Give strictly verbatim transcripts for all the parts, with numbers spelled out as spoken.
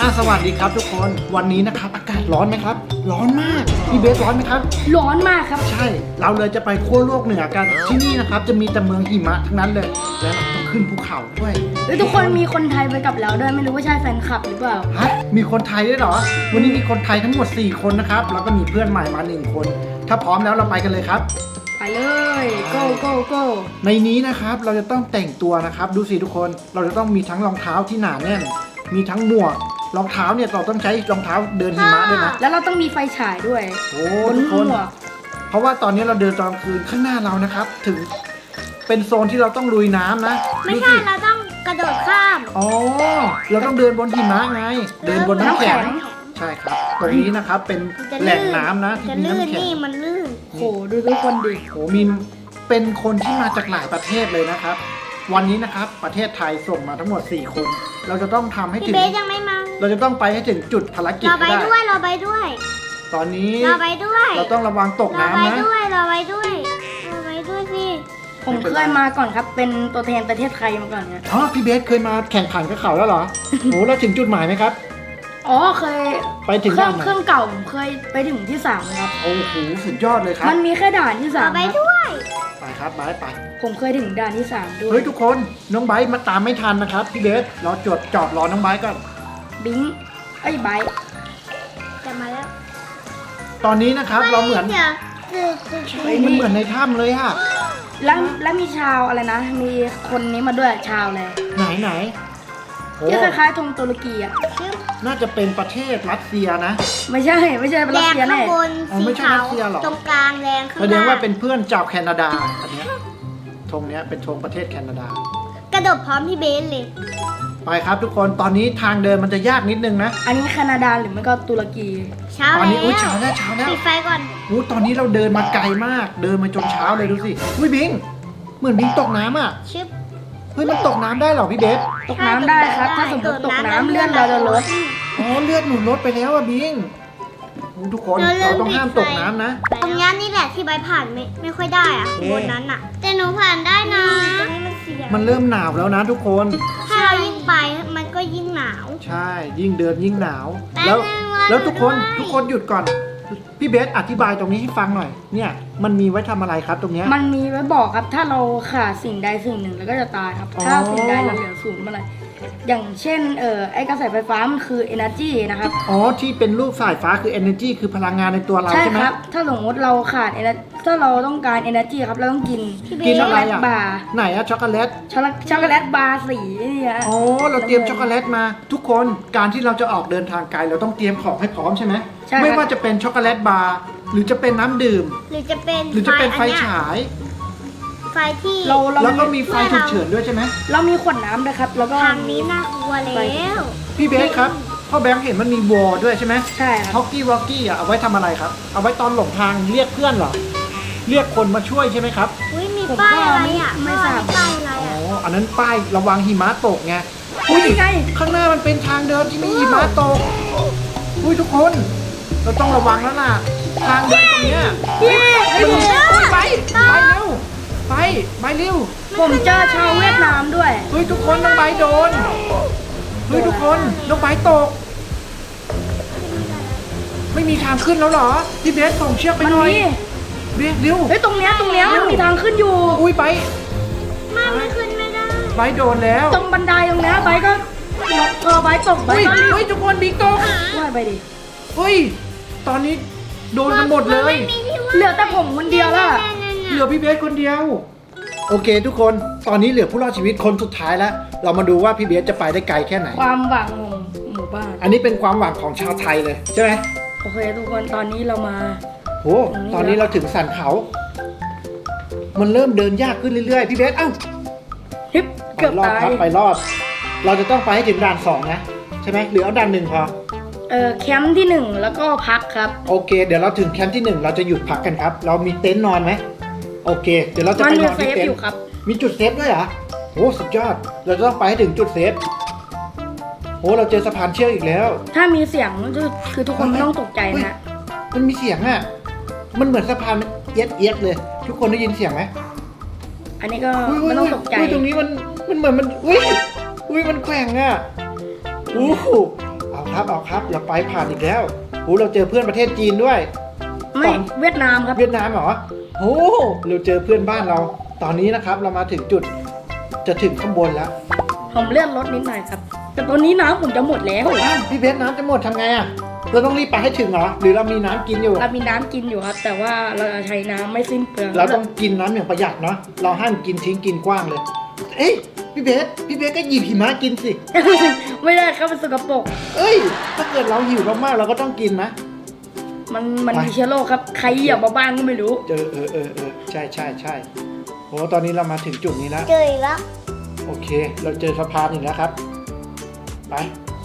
อ่ะสวัสดีครับทุกคนวันนี้นะครับอากาศร้อนไหมครับร้อนมากพี่เบสร้อนไหมครับร้อนมากครับใช่เราเลยจะไปขั้วโลกเหนือกันที่นี่นะครับจะมีแต่เมืองหิมะทั้งนั้นเลยและเราต้องขึ้นภูเขาด้วยเฮ้ยทุกคนมีคนไทยไปกับเราด้วยไม่รู้ว่าใช่แฟนคลับหรือเปล่าฮะมีคนไทยด้วยเหรอวันนี้มีคนไทยทั้งหมดสี่คนนะครับแล้วก็มีเพื่อนใหม่มาหนึ่งคนถ้าพร้อมแล้วเราไปกันเลยครับไปเลย go go go ในนี้นะครับเราจะต้องแต่งตัวนะครับดูสิทุกคนเราจะต้องมีทั้งรองเท้าที่หนาแน่นมีทั้งหมวกรองเท้าเนี่ยเราต้องใช้รองเท้าเดินหิมะด้วยนะแล้วเราต้องมีไฟฉายด้วยโอ้ทุกคนเพราะว่าตอนนี้เราเดินตอนกลางคืนข้างหน้าเรานะครับถึงเป็นโซนที่เราต้องลุยน้ำนะไม่ใช่เราต้องกระโดดข้ามอ๋อเราต้องเดินบนหิมะไงเดินบนน้ำแข็งใช่ครับตรงนี้นะครับเป็นแหล่งน้ำนะที่มีน้ำแข็งนี่มันลื่นโหดูทุกคนดิโหมีเป็นคนที่มาจากหลายประเทศเลยนะครับวันนี้นะครับประเทศไทยส่งมาทั้งหมดสี่คนเราจะต้องทำให้ถึงพี่เบสยังไม่มาเราจะต้องไปให้ถึงจุดภารกิจเราไปด้วยเราไปด้วยตอนนี้เราไปด้วยเราต้องระวังตกน้ำนะเราไปด้วยเราไปด้วยเราไปด้วยสิผมเคยมาก่อนครับเป็นตัวแทนประเทศไทยมาก่อนเนี่ยอ๋อพี่เบสเคยมาแข่งขันกับเขาแล้วเหรอโหเราถึงจุดหมายไหมครับอ๋อเคยไปถึงเครื่องเครื่องเก่าผมเคยไปถึงที่สามครับโอ้โหสุดยอดเลยครับมันมีแค่ด่านที่สามเราไปด้วยไปครับไปไปผมเคยถึงด่านที่สามด้วยเฮ้ยทุกคนน้องไบร์ทมาตามไม่ทันนะครับพี่เบสเราจดจอดรอน้องไบร์ทก่อนบิงไอ้ไบร์ทจะมาแล้วตอนนี้นะครับเราเหมือนเฮ้ยมันเหมือนในถ้ำเลยฮะแล้วแล้วมีชาวอะไรนะมีคนนี้มาด้วยชาวอะไรไหนไหนที่คล้ายๆธงตุรกีอ่ะน่าจะเป็นประเทศรัสเซียนะไม่ใช่ไม่ใช่รัสเซียแน่แดงข้างบนสีขาวตรงกลางแดงข้างล่างแสดงว่าเป็นเพื่อนจากแคนาดาอันนี้ธงนี้เป็นธงประเทศแคนาดากระโดดพร้อมพี่เบสเลยไปครับทุกคนตอนนี้ทางเดินมันจะยากนิดนึงนะอันนี้แคนาดาหรือไม่ก็ตุรกีเช้าแล้วตอนนี้อุ้ยเช้าแล้วเช้าแล้วปิดไฟก่อนอู้ตอนนี้เราเดินมาไกลมากเดินมาจนเช้าเลยดูสิอุ้ยบิงเหมือนบิงตกน้ำอ่ะชิบเฮ้ยมันตกน้ำได้เหรอพี่เบสตกน้ำได้ครับถ้าสมมติตกน้ำเลื่อนเราจะลดอ๋อเลือดหนุนลดไปแล้วอะบิงทุกคนเราต้องห้ามตกน้ำนะตรงนี้นี่แหละที่ใบผ่านไม่ไม่ค่อยได้อะบนนั้นอะแต่หนูผ่านได้นะมันเริ่มหนาวแล้วนะทุกคนถ้าเรายิ่งไปมันก็ยิ่งหนาวใช่ยิ่งเดินยิ่งหนาวแล้วแล้วทุกคนทุกคนหยุดก่อนพี่เบสอธิบายตรงนี้ให้ฟังหน่อยเนี่ยมันมีไว้ทำอะไรครับตรงนี้มันมีไว้บอกครับถ้าเราขาดสิ่งใดสิ่งหนึ่งเราก็จะตายครับถ้าสิ่งใดเราเหลือศูนย์เมื่อไหร่อย่างเช่นเออไอ้กระแสไฟฟ้ามันคือ energy นะครับอ๋อที่เป็นรูปสายฟ้าคือ energy คือพลังงานในตัวเราใช่ไหมใช่ครับถ้าสมมติเราขาด energy ถ้าเราต้องการ energy ครับเราต้องกินกินช็อกโกแลตบาร์ไหนอะช็อกโกแลตช็อกโกแลตบาร์สีนี่ฮะอ๋อเราเตรียมช็อกโกแลตมาทุกคนการที่เราจะออกเดินทางไกลเราต้องเตรียมของให้พร้อมใช่ไหมไม่ว่าจะเป็นช็อกโกแลตบาร์หรือจะเป็นน้ำดื่มหรือจะเป็นหรือจะเป็นไฟฉายไฟที่เราแล้วก็มีไฟฉุกเฉินด้วยใช่ไหมเรามีขวดน้ำนะครับแล้วก็ทางนี้น่ากลัวแล้วพี่เบสครับพ่อแบงค์เห็นมันมีวอลด้วยใช่ไหมใช่ครับฮอกกี้วอกกี้อ่ะเอาไว้ทำอะไรครับเอาไว้ตอนหลงทางเรียกเพื่อนเหรอเรียกคนมาช่วยใช่ไหมครับอุ้ยมีป้ายอะไรอ่ะไม่ทราบป้ายอะไรอ่ะอ๋ออันนั้นป้ายระวังหิมะตกไงอุ้ยไงข้างหน้ามันเป็นทางเดินที่มีหิมะตกอุ้ยทุกคนเราต้องระวังแล้วล่ะทางเดินตรงเนี้ยมันไปไปเร็วไปไปเร็วผมเจอชาวเวียดนามด้วยเฮ้ยทุกคนน้องใบโดนเฮ้ยทุกคนน้องใบตกไม่มีทางขึ้นแล้วเหรอพี่เบสส่งเชือกไปหน่อยเบสเร็วเฮ้ยตรงเนี้ยตรงเนี้ยมันมีทางขึ้นอยู่อุ้ยใบมาไม่ขึ้นไม่ได้ใบโดนแล้วตรงบันไดตรงเนี้ยใบก็พอใบตกใบก็เฮ้ยทุกคนบิ๊กตกว่าไปดิเฮ้ยตอนนี้โดนกันหมดเลยเหลือแต่ผมคนเดียวล่ะเหลือพี่เบสคนเดียวโอเคทุกคนตอนนี้เหลือผู้รอดชีวิตคนสุดท้ายแล้วเรามาดูว่าพี่เบสจะไปได้ไกลแค่ไหนความหวังของหมู่บ้านอันนี้เป็นความหวังของชาวไทยเลยใช่ไหมโอเคทุกคนตอนนี้เรามาโหตอนนี้เราถึงสันเขามันเริ่มเดินยากขึ้นเรื่อยๆพี่เบสเอ้าฮิปเกือบตายครับไปรอดเราจะต้องไปให้ถึงด่านสองนะใช่ไหมหรือเอาด่านหนึ่งพอเออแคมป์ที่หนึ่งแล้วก็พักครับโอเคเดี๋ยวเราถึงแคมป์ที่หนึ่งเราจะหยุดพักกันครับเรามีเต็นท์นอนไหมโอเคเดี๋ยวเราจะไปนอนที่เต็นท์มีจุดเซฟด้วยเหรอโอ้สุดยอดเราจะต้องไปให้ถึงจุดเซฟโอ้เราเจอสะพานเชือกอีกแล้วถ้ามีเสียงคือทุกคนไม่ต้องตกใจนะมันมีเสียงอ่ะมันเหมือนสะพานเอียดเอียดเลยทุกคนได้ยินเสียงไหมอันนี้ก็ไม่ต้องตกใจตรงนี้มันมันเหมือนมันอุ้ยอุ้ยมันแกว่งอ่ะอู้หูเอาครับเอาครับเราไปผ่านอีกแล้วโอ้เราเจอเพื่อนประเทศจีนด้วยไม่เวียดนามครับเวียดนามเหรอโอ้เราเจอเพื่อนบ้านเรา ตอนนี้นะครับเรามาถึงจุดจะถึงข้างบนแล้วผมเลื่อนรถนิดหน่อยครับ แต่ตอนนี้น้ำผมจะหมดแล้วอ้าวพี่เบสน้ำจะหมดทำไงอ่ะเราต้องรีบไปให้ถึงเหรอหรือเรามีน้ำกินอยู่เรามีน้ำกินอยู่ครับ แต่ว่าเราจะใช้น้ำไม่สิ้นเปลืองเราต้องกินน้ำอย่างประหยัดเนาะเราห้ามกินทิ้งกินกว้างเลย เอ้ยพี่เบสพี่เบสก็หยิบหิมะกินสิไม่ได้ครับมันสกปรกเอ้ยถ้าเกิดเราหิวมากๆเราก็ต้องกินนะมันมันไปมีเชื้อโรคครับ ใครเหยียบมาบ้างก็ไม่รู้เจอเออเออเออใช่ใช่ใช่โอ้ตอนนี้เรามาถึงจุดนี้แล้วเจออีกแล้วโอเค เราเจอสะพานอีกแล้วครับไป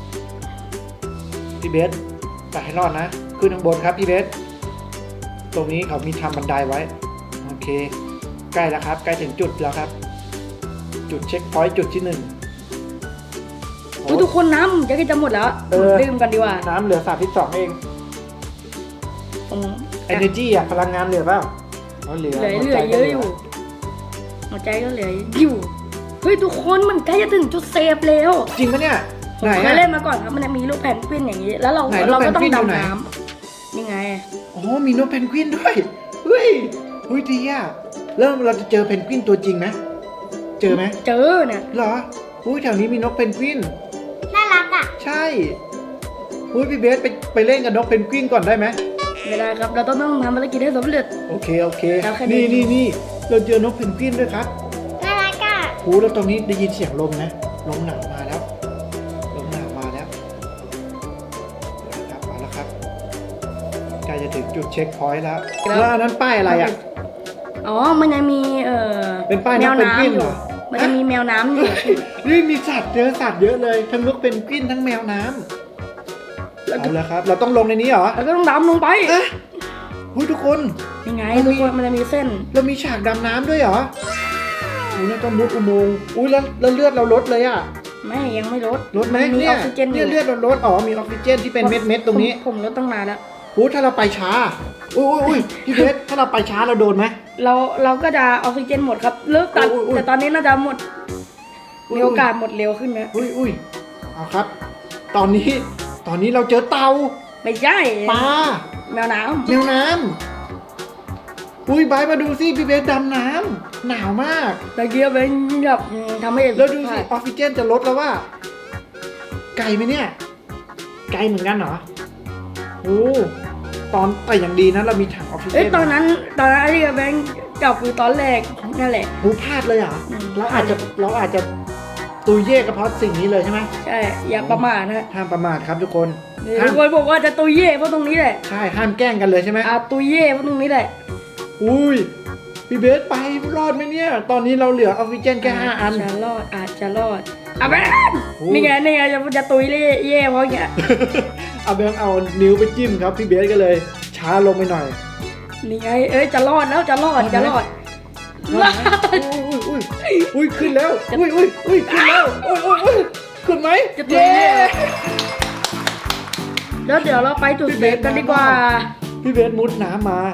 พี่เบสไปให้รอดนะขึ้นข้างบนครับพี่เบสตรงนี้เขามีทำบันไดไว้โอเค ใกล้แล้วครับใกล้ถึงจุดแล้วครับ จุดเช็คพอยต์จุดที่หนึ่งโอ้อุ๊ยทุกคนน้ำผมจะจะหมดแล้วเออดื่มกันดีกว่าน้ำเหลือสามสิบสองเองผมเอเนจีอะพลังงานเหลือเปล่าอ๋อเหลือเหลือหัวเหลืใจอเยก็อะอยู่หัวใจก็เหลืออยู่เฮ้ยทุกคนมันใกล้จะถึงจุดเซฟแล้วจริงปะเนี่ยผมไหนเคยอะเล่นมาก่อนครับมันจะมีลูกแพนกวินอย่างนี้ แล้วเราไหนลูกเราก็แพนต้อกวิงนอยู่ไหนดำน้ำนี่ไงอ๋อมีนกเพนกวินด้วยเฮ้ยเฮ้ยดีอะเริ่มเราจะเจอเพนกวินตัวจริงไหมเจอไหมเจอเนี่ยเหรออุ้ยแถวนี้มีนกเพนกวินน่ารักอ่ะใช่อุ้ยพี่เบสไปไปเล่นกับนกเพนกวินก่อนได้ไหมไม่ได้ครับ เราต้องต้องทำภารกิจให้สำเร็จโอเคโอเคแล้วแค่นี่นี้นี่นี่เราเจอนกเพนกวินด้วยครับน่ารักอ่ะโอ้แล้วตรงนี้ได้ยินเสียงลมนะลมหนาวมาแล้วลมหนาวมาแล้วครับมาแล้วครับใกล้จะถึงจุดเช็คพอยต์แล้วแล้วอันนั้นป้ายอะไรอ่ะอ๋อ มันยังมีเอ่อเป็นป้ายแมนกวเพนกวินน้ำอเหรยู่อมันจะมีแมวน้ำอยู่นี่มีสัตว์เจอสัตว์เยอะเลยทั้งนกเพนกวินทั้งแมวน้ำเอาละครับ เราต้องลงในนี้เหรอแล้วก็ต้องดำลงไปเอ๊ะหุ้ยทุกคนยังไงมันมีทุกคนมันจะมีเส้นเรามีฉากดำน้ำด้วยเหรออุ้ยเราต้องมุดอุโมงค์อุ้ยแล้วแล้วเลือดเราลดเลยอะไม่ยังไม่ลดลดไหมมีเนี่อย อกซิเจนอเนี่ยยู่เลือดเราลดอ๋อมีออกซิเจนที่เป็นเม็ดเม็ดๆตรงนี้ผมผมลดตั้งนานแล้วอุ้ยถ้าเราไปช้าอุ้ยอุ้ยอุ้ยพี่เพชรถ้าเราไปช้าเราโดนไหมเราเราก็จะออกซิเจนหมดครับเลิกตัดโอ้ยโอ้ยแต่ตอนนี้น่าจะหมดอุ้ยมีโอกาสหมดเร็วขึ้นไหมอุ้ยอุ้ยเอาครับ ตอนนี้ตอนนี้เราเจอเต่าไม่ใช่ปลาแมวน้แมวน้ำอุ้ยบายมาดูสิพี่เพชรดำน้ำหนาวมากำตะเกียบเป็นแบบทำให้แล้วดูสิออกซิเจนจะลดแล้วว่า ไกลไหมเนี่ย ไกลเหมือนกันเหรอโอ้ตอนแต่อย่างดีนะเรามีถังออกซิเจนเอ้ยตอนนั้นตอนนั้นไอ้ที่แบงค์จับคือตอนแรกนั่นแหละหูพลาดเลยเหรออืมเราอาจจะเราอาจจะตุยเย่กระเพราะสิ่งนี้เลยใช่ไหมใช่อย่าประมาทนะห้ามประมาทครับทุกคนทุห้ามกคนบอกว่าจะตุยเย่เพราะตรงนี้แหละใช่ห้ามแกล้งกันเลยใช่ไหมอ่ะตุยเย่เพราะตรงนี้แหละอุ้ยพี่เบสไปรอดไหมเนี่ย ตอนนี้เราเหลือออกซิเจนแค่ห้าอันจะรอดอาจจะรอดอ่ะแบงค์โอ้นี่ไงนี่ไงจะจะตุยเย่เย่เพราะอย่างเงี้ยเอาแบงค์เอานิ้วไปจิ้มครับพี่เบสก็เลย ช้าลงไปหน่อยนี่ไงเอ้ยจะรอดแล้วจะรอดจะรอดรอดไหมอุ้ยอุ้ยอุ้ยอุ้ยขึ้นแล้วอุ้ยอุ้ยอุ้ยขึ้นแล้วอุ้ยอุ้ยอุ้ยขึ้นไหมจะตุยเย้เย่แล้วเดี๋ยวเราไปจุดเซฟกันดีกว่าพี่เบสมุดน้ำมา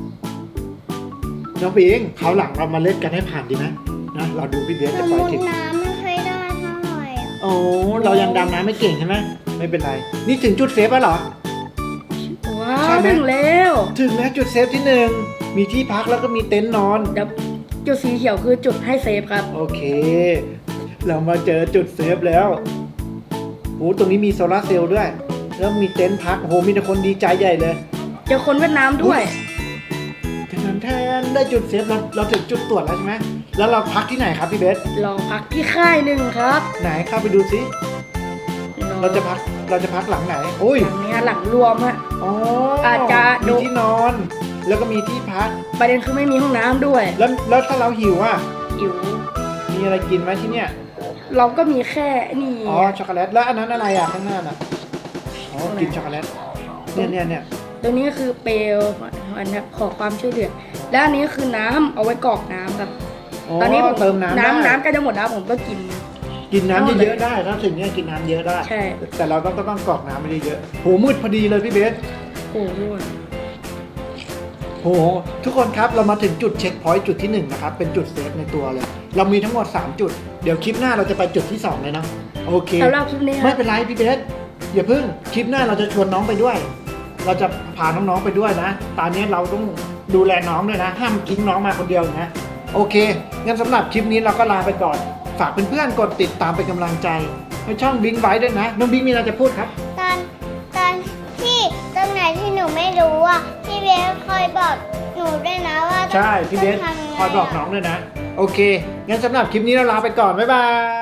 น้องปิงเขาวหลังเรามาเล่นกันให้ผ่านดีไหมนะเราดูพี่เบสสจะมไปมติถึงน้ำไม่เคยได้เท่าไหร่อ่ะโอ้เรายังดำน้ำไม่เก่งใช่ไหมไม่เป็นไร นี่ถึงจุดเซฟแล้วเหรอว้าใช่วไหมถึงแล้วถึงแล้วจุดเซฟที่หนึ่งมีที่พักแล้วก็มีเต็นท์นอนเดี๋ยวจุดสีเขียวคือจุดให้เซฟครับโอเค เรามาเจอจุดเซฟแล้วโอ้ตรงนี้มีโซลาร์เซลล์ด้วย แล้วมีเต็นท์พักโอ้โหมีแต่คนดีใจใหญ่เลยเจอคนเวียดนามด้วยแทนแทนได้จุดเซฟเราเราถึงจุดตรวจแล้วใช่ไหมแล้วเราพักที่ไหนครับพี่เบสเราพักที่ค่ายหนึ่งครับไหนเข้าไปดูสิเราจะพักเราจะพักหลังไหนโอ้ยหลังเนี้ยหลังรวมฮะอ๋ออาจจะดูมีที่นอน แล้วก็มีที่พักประเด็นคือไม่มีห้องน้ำด้วยแล้วแล้วถ้าเราหิวอ่ะหิวมีอะไรกินไหมที่เนี่ยเราก็มีแค่นี่อ๋อช็อกโกแลตแล้วอันนั้นอะไรอ่ะข้างหน้าน่ะอ๋อกินช็อกโกแลตเนี่ยเนี่ยเนี่ยตัวนี้ก็คือเปลวมันครับขอความช่วยเหลือแล้วอันนี้คือน้ำเอาไว้กรอกน้ำครับ ตอนนี้ผมเติมน้ำได้น้ำน้ำใกล้จะหมดแล้วผมก็กินกินน้ำเอาเลยเยอะๆได้ถ้าถึงเนี่ยกินน้ำเยอะได้ใช่แต่เราต้องก็ต้องกรอกน้ำไม่ได้เยอะโหมืดพอดีเลยพี่เบสโอ้โหโหทุกคนครับเรามาถึงจุดเช็คพอยต์จุดที่หนึ่งนะครับเป็นจุดเซฟในตัวเลย เรามีทั้งหมดสามจุดเดี๋ยวคลิปหน้าเราจะไปจุดที่สองเลยนะโอเคสำหรับคลิปนี้คไม่รับเป็นไรพี่เบสอย่าเพิ่งคลิปหน้าเราจะชวนน้องไปด้วย เราจะพาน้องๆไปด้วยนะ ตอนนี้เราต้องดูแลน้องด้วยนะ ห้ามทิ้งน้องมาคนเดียวนะ โอเค งั้นสำหรับคลิปนี้เราก็ลาไปก่อน ฝากเพื่อนๆกดติดตามเป็นกำลังใจให้ช่องบิงไว้ด้วยนะ น้องบิงมีอะไรจะพูดครับตอนตอนที่ตรงไหนที่หนูไม่รู้อ่ะพี่เบสคอยบอกหนูด้วยนะว่าต้องใช่ พี่เบสต้องทำยังไงคอยบอกน้องด้วยนะ โอเค งั้นสำหรับคลิปนี้เราลาไปก่อน บ๊ายบาย